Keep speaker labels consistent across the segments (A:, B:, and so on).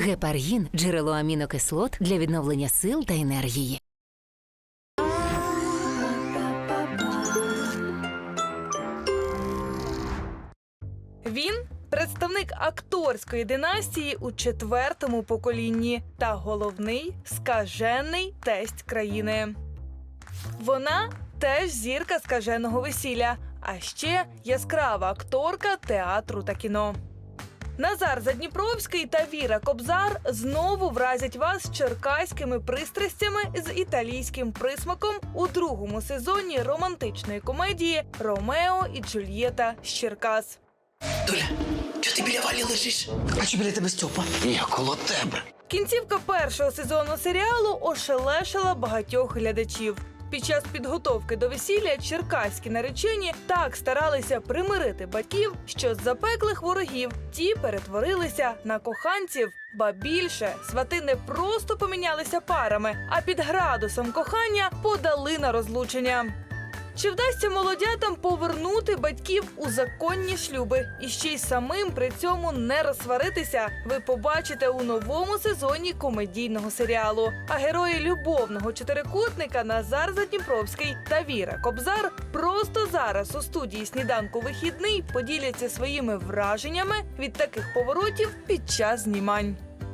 A: Гепаргін – джерело амінокислот для відновлення сил та енергії.
B: Він – представник акторської династії у 4-му поколінні та головний скажений тесть країни. Вона теж зірка скаженого весілля, а ще яскрава акторка театру та кіно. Назар Задніпровський та Віра Кобзар знову вразять вас черкаськими пристрастями з італійським присмаком у 2-му сезоні романтичної комедії «Ромео і Джульєта з Черкас».
C: Доля, чого ти біля Валі лежиш? А чи біля тебе Стьопа? Я коло тебе.
B: Кінцівка 1-го сезону серіалу ошелешила багатьох глядачів. Під час підготовки до весілля черкаські наречені так старалися примирити батьків, що з запеклих ворогів ті перетворилися на коханців. Ба більше, свати не просто помінялися парами, а під градусом кохання подали на розлучення. Чи вдасться молодятам повернути батьків у законні шлюби і ще й самим при цьому не розсваритися, ви побачите у новому сезоні комедійного серіалу. А герої любовного чотирикутника Назар Задніпровський та Віра Кобзар просто зараз у студії «Сніданку вихідний» поділяться своїми враженнями від таких поворотів під час знімань.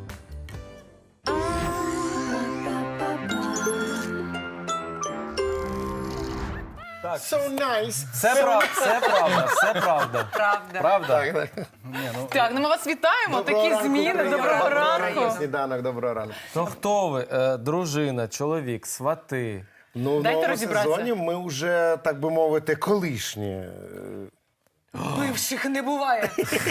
D: Так.
E: So nice.
D: Це правда, все правда. Правда? Ні, ну,
F: Так, ну ми вас вітаємо, такі зміни, доброго ранку.
E: Сніданок, доброго ранку.
D: то хто ви? Дружина, чоловік, свати?
E: Ну, в
F: Дайте
E: новому
F: розібратися.
E: сезоні ми вже, так би мовити, колишні.
F: Бивших не буває.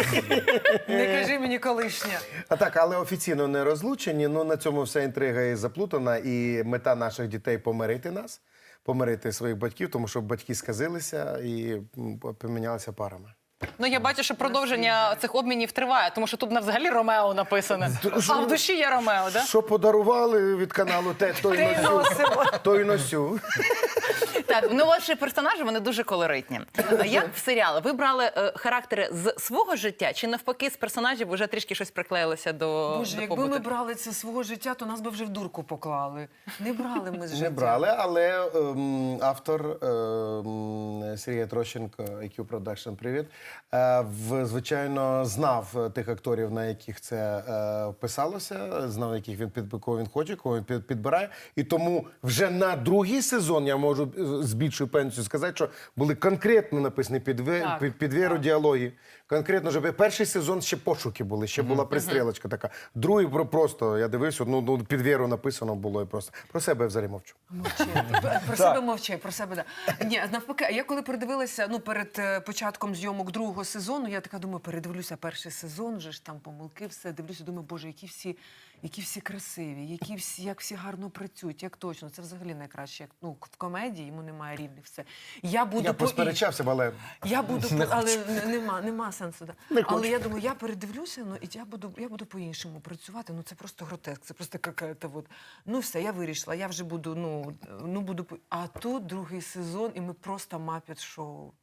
F: Не кажи мені колишня.
E: А так, але офіційно не розлучені. Ну, на цьому вся інтрига і заплутана. І мета наших дітей – помирити нас, помирити своїх батьків, тому що батьки сказилися і помінялися парами.
F: Ну я бачу, що продовження цих обмінів триває, тому що тут взагалі Ромео написано. А в душі є Ромео, так?
E: Що подарували від каналу те, то й носю. То й носю.
F: Так, ну ваші персонажі, вони дуже колоритні. Як в серіалі? Ви брали характери з свого життя чи навпаки з персонажів вже трішки щось приклеїлся до
G: Боже, якби
F: побуту?
G: ми брали це свого життя, то нас би вже в дурку поклали. Не брали ми з життя.
E: Не брали, але автор Сергій Трощенко, IQ Production, привіт, звичайно, знав тих акторів, на яких це писалося, знав, яких кого він хоче, кого він підбирає. І тому вже на другий сезон я можу з більшою певністю сказати, що були конкретно написані під Віру діалоги. Конкретно, що перший сезон ще пошуки були, ще була пристрілочка така. Другий просто, я дивився, ну під Віру написано було і просто. Про себе я взагалі мовчу.
G: Мовчи. Про себе мовчи, про себе, да. Ні, навпаки, я коли передивилася, ну, перед початком зйомок другого сезону, я така думаю, передивлюся перший сезон, вже ж там помилки, все, дивлюся, думаю, боже, які всі красиві, як всі гарно працюють, як точно. Це взагалі найкраще. Ну, в комедії йому немає рівних, все. Я
E: посперечався, але...
G: Я буду, але нема сенсу. Да. Але я думаю, я передивлюся, ну, і я буду по-іншому працювати. Ну, це просто гротеск, це просто какая-то вот. Ну, все, я вирішила, я вже буду, буду... А тут другий сезон, і ми просто мапет-шоу.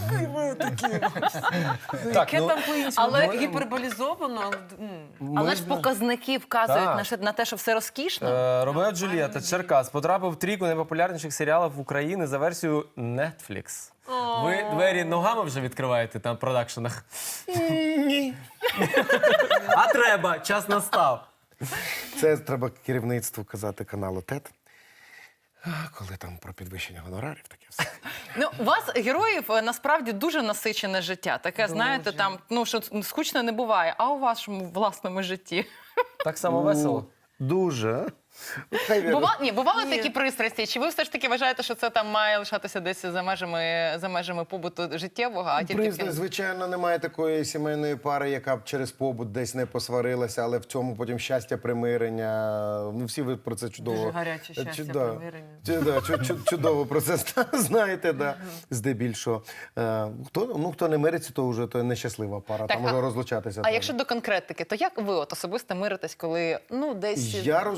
G: Яке там по-іншому? Але гіперболізовано.
F: Але ж показники вказують на те, що все розкішно.
D: Ромео Джульєта, Черкас, потрапив в трійку найпопулярніших серіалів України за версією Netflix. Ви двері ногами вже відкриваєте там в продакшенах?
E: Ні.
D: А треба, час настав.
E: Це треба керівництву казати каналу ТЕТ. Коли там про підвищення гонорарів, таке все.
F: Ну, у вас, героїв, насправді дуже насичене життя. Таке, знаєте, там, ну, що скучно не буває. А у вашому власному житті?
D: Так само весело?
E: Дуже.
F: Бували такі пристрасті? Чи ви все ж таки вважаєте, що це там має лишатися десь за межами побуту життєвого, а тільки...
E: Звичайно, немає такої сімейної пари, яка б через побут десь не посварилася, але в цьому потім щастя, примирення. Ну, всі ви про це чудово...
G: Дуже гаряче щастя, примирення.
E: Чудово про це знаєте, да, здебільшого. Хто не мириться, то вже то нещаслива пара, там може розлучатися.
F: А якщо до конкретики, то як ви особисто миритесь, коли, ну, десь...
E: Я розумніший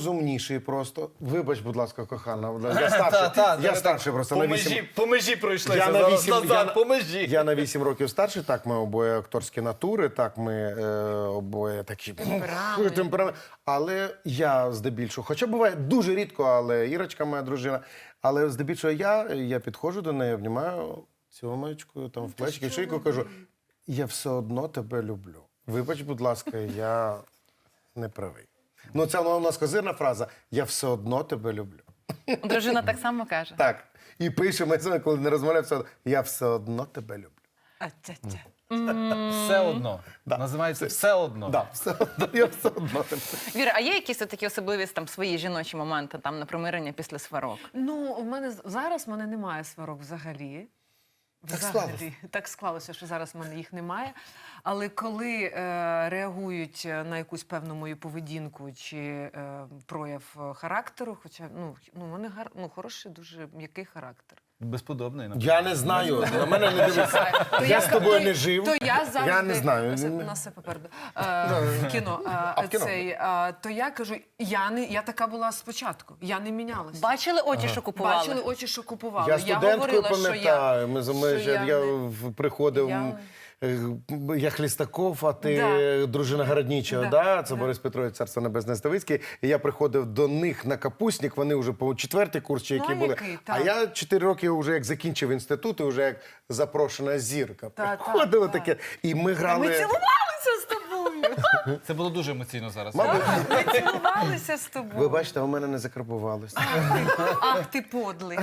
E: здебільший просто. Вибач, будь ласка, кохана. Я старший, я старший просто на 8.
H: По межі пройшлися.
E: Я на 8,
H: по межі.
E: я на 8 років старший, так, ми обоє акторські натури, так, ми обоє такі темперамент. Але я здебільшого, хоча буває дуже рідко, але Ірочка, моя дружина, але здебільшого я підходжу до неї, обнімаю ціломечкою, там в плечики, в шийку, кажу, я все одно тебе люблю. Вибач, будь ласка, я не правий. Ну, це у нас козирна фраза, я все одно тебе люблю.
F: Дружина так само каже.
E: Так. І пишемо, коли не розмовляємо, все одно, я все одно тебе люблю.
G: А-тя-тя.
H: Все одно. Називається «Все одно».
E: Да, все одно, я все одно тебе.
F: Віра, а є якісь такі особливі там свої жіночі моменти там на примирення після сварок?
G: Ну, у мене зараз немає сварок взагалі.
E: Так склалося.
G: Так склалося, що зараз в мене їх немає. Але коли реагують на якусь певну мою поведінку чи прояв характеру, хоча в мене хороший, дуже м'який характер.
H: Безподобний.
E: Я не знаю, на мене не дивиться. Я з тобою не жив.
G: То я завжди...
E: Я не знаю.
G: У нас все попереду. Кіно.
E: в кіно?
G: То я кажу, я така була спочатку. Я не мінялася.
F: Бачили очі, що купували?
G: Бачили очі, що купували.
E: Я студенткою
G: говорила, що
E: пам'ятаю. Я
G: не-
E: приходив,
G: Я-
E: я Хлістаков, а ти дружина Городнічого, да? Це Борис Петрович, царство небесне, Ставицький. І я приходив до них на капустник, вони вже по 4-й курс, чи які були.
G: який,
E: А
G: так.
E: я 4 роки вже як закінчив інститут, і вже як запрошена зірка.
G: Та,
E: Приходили
G: та.
E: таке. І ми грали...
G: Ми цілувалися з тобою.
H: Це було дуже емоційно зараз.
E: Мабуть,
G: Ми цілувалися з тобою.
E: ви бачите, у мене не закарбувалося.
G: Ах, ти подлий.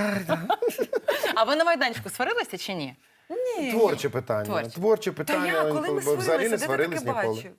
F: А ви на майданчику сварилися чи ні?
E: Творче питання.
F: Творче.
E: Творче
G: Та
E: питання.
G: я, коли ми
E: Взагалі не
G: сварилися, де ти
E: сварились
G: таке
E: ніколи.
G: бачив?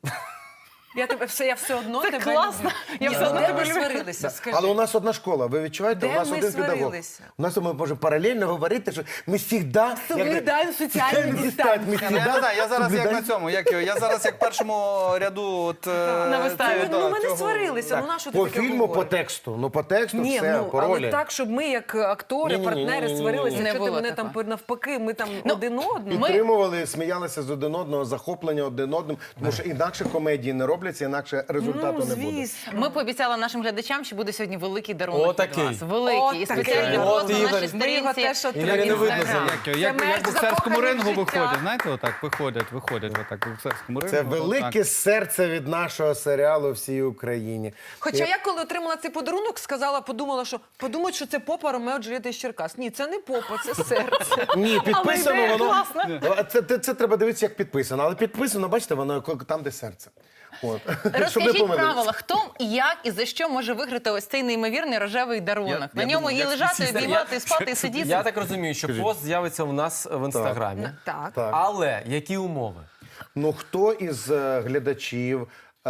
G: Я все одно
F: Це
G: тебе
F: класно.
G: люблю.
F: Я
G: Ні,
F: все одно
G: де
F: тебе
G: ми
F: люблю.
G: сварилися, скажи.
E: Але у нас одна школа, ви відчуваєте?
G: Де
E: У нас
G: ми
E: один педагог.
G: сварилися?
E: У нас ми можемо паралельно говорити, що ми завжди...
G: Соблюдаємо соціальну дистанцію.
H: Я не знаю, я зараз як на цьому, я зараз як в першому ряду от,
F: На виставі.
H: цього,
G: Ми не
H: цього-
G: сварилися, ну на що ти
E: По
G: таке
E: фільму, по
G: говориш?
E: тексту. Ну, по тексту
G: Ні,
E: все, по
G: але
E: ролі.
G: так, щоб ми як актори,
E: Ні-ні-ні-ні-ні-ні.
G: партнери сварилися,
F: Не
G: якщо ти
F: було
G: мене
F: такого.
G: там навпаки, ми там один одного.
E: Підтримували, сміялися з один одного, захоплення один одним, тому що інакше комедії не робляться, інакше результату не буде.
F: Ми пообіцяли нашим глядачам, що буде сьогодні великий дарунок
D: Отакий.
F: від вас. Великий. І спеціальний
D: От,
F: пост на
D: Ігор.
F: нашій
G: Ми його
F: сторінці.
G: теж
D: Ігоря не видно
F: Інстаграм.
H: Як
G: мерч
H: в боксерському
G: закоханих
H: рингу
G: в життя.
H: виходять, знаєте, отак, виходять отак, в боксерському рингу.
E: Це
H: отак.
E: велике серце від нашого серіалу всій Україні.
G: Хоча я коли отримала цей подарунок, подумала, що подумають, що це попа Ромео Джульєта із Черкас. Ні, це не попа, це серце.
E: Ні, підписано
F: ідея
E: воно.
F: класна.
E: Це треба дивитися, як підписано. Але підписано, бачите, воно там, де серце. От. Щоб не
F: Розкажіть
E: помилитися.
F: правила, хто, як і за що може виграти ось цей неймовірний рожевий дарунок. На ньому і лежати, і обіймати, і спати, і сидіти.
D: Я так розумію, що пост з'явиться у нас в інстаграмі.
G: Так.
E: Так.
D: Але які умови?
E: Ну, хто із глядачів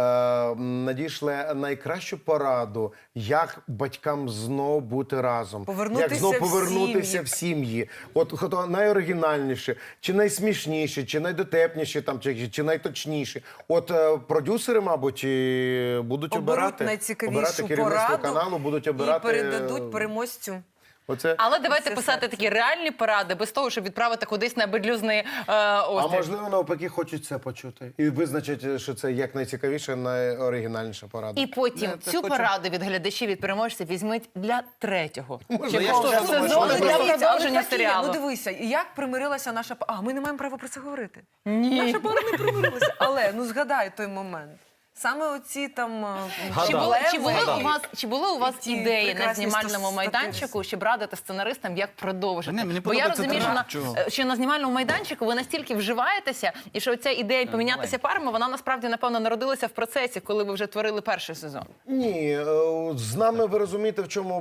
E: надійшле найкращу пораду, як батькам знов бути разом,
G: Повернутися
E: як знов
G: в
E: повернутися
G: сім'ї.
E: в сім'ї. От хто найоригінальніше, чи найсмішніше, чи найдотепніше, там, чи найточніше. От продюсери, мабуть, і будуть
G: Оберуть
E: обирати
G: найцікавішу
E: керівництво
G: пораду
E: каналу, будуть обирати.
G: і передадуть переможцю.
E: Оце.
F: Але давайте
G: Це
F: писати
G: серце.
F: такі реальні поради, без того, щоб відправити кудись на бедлюзний
E: А
F: острів.
E: можливо, навпаки, хочуть це почути. І визначать, що це як найцікавіша, найоригінальніша порада.
F: І потім
H: це
F: цю
H: хочу.
F: пораду від глядачів, від переможців візьміть для третього
H: я ж теж
F: сезону,
H: думаю, що
F: для
H: ви-
F: продовження
G: такі,
F: серіалу.
G: Ну дивися, як примирилася наша пара. А ми не маємо права про це говорити. Ні. Наша пара не примирилася. Але згадай той момент. Саме оці там
F: Чи були у вас
G: ті
F: ідеї на
G: прекрасні
F: знімальному
G: стативи.
F: майданчику, щоб радити сценаристам, як продовжити?
H: Ні, мені
F: Бо я
H: подобається
F: розумію,
H: тренаж. Чого?
F: що на знімальному майданчику ви настільки вживаєтеся, і що ця ідея помінятися парами, вона насправді, напевно, народилася в процесі, коли ви вже творили перший сезон.
E: Ні, з нами ви розумієте, в чому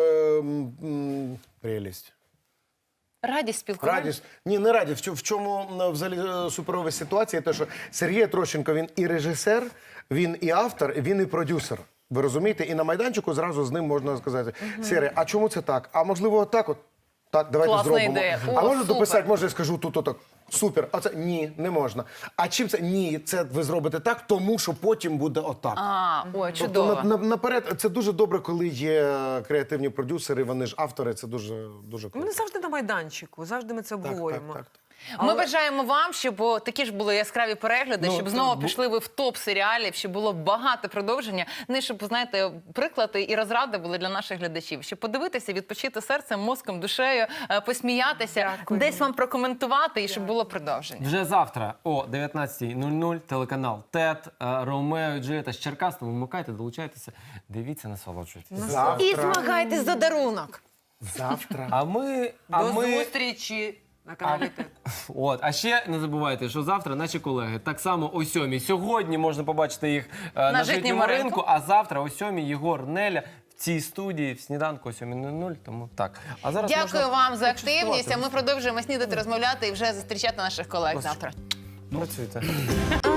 E: прелість.
F: Радість спілкування.
E: Радість. Ні, не радість. В чому взагалі суперова ситуація? Те, що Сергій Трощенко, він і режисер, він і автор, він і продюсер. Ви розумієте? І на майданчику зразу з ним можна сказати: Сергій, а чому це так? А можливо, отак от? Так, давайте
F: Класна
E: зробимо.
F: ідея.
E: А
F: О,
E: можна
F: супер.
E: дописати, може я скажу тут отак. Супер. А це ні, не можна. А чим це? Ні, це ви зробите так, тому що потім буде отак.
F: Ой,
E: Тобто
F: чудово.
E: наперед, це дуже добре, коли є креативні продюсери, вони ж автори, це дуже, дуже
G: Ми
E: круто.
G: не завжди на майданчику, завжди ми це обговорюємо.
E: Так.
F: Ми бажаємо вам, щоб такі ж були яскраві перегляди,
D: Ну,
F: щоб
D: це
F: знову пішли ви в топ серіалів, щоб було багато продовження. Ну і щоб, знаєте, приклади і розради були для наших глядачів. Щоб подивитися, відпочити серцем, мозком, душею, посміятися, десь вам прокоментувати і щоб було продовження.
D: Вже завтра о 19:00 телеканал ТЕТ, Ромео і Джульєта з Черкас. Тому вмикайте, долучайтеся, дивіться, насолоджуйтесь.
F: І змагайтесь за дарунок.
E: Завтра.
D: А ми...
G: До зустрічі на каналі ТЕТ.
D: От, а ще не забувайте, що завтра наші колеги так само о 7:00. Сьогодні можна побачити їх на
F: житньому
D: житньому
F: ринку.
D: ринку, а завтра о 7:00 Єгор, Неля в цій студії в сніданку о 7:00. Тому так. А зараз
F: Дякую
D: можна
F: вам за активність. А
D: почастувати.
F: ми продовжуємо снідати, розмовляти і вже зустрічати наших колег завтра.
D: Працюйте.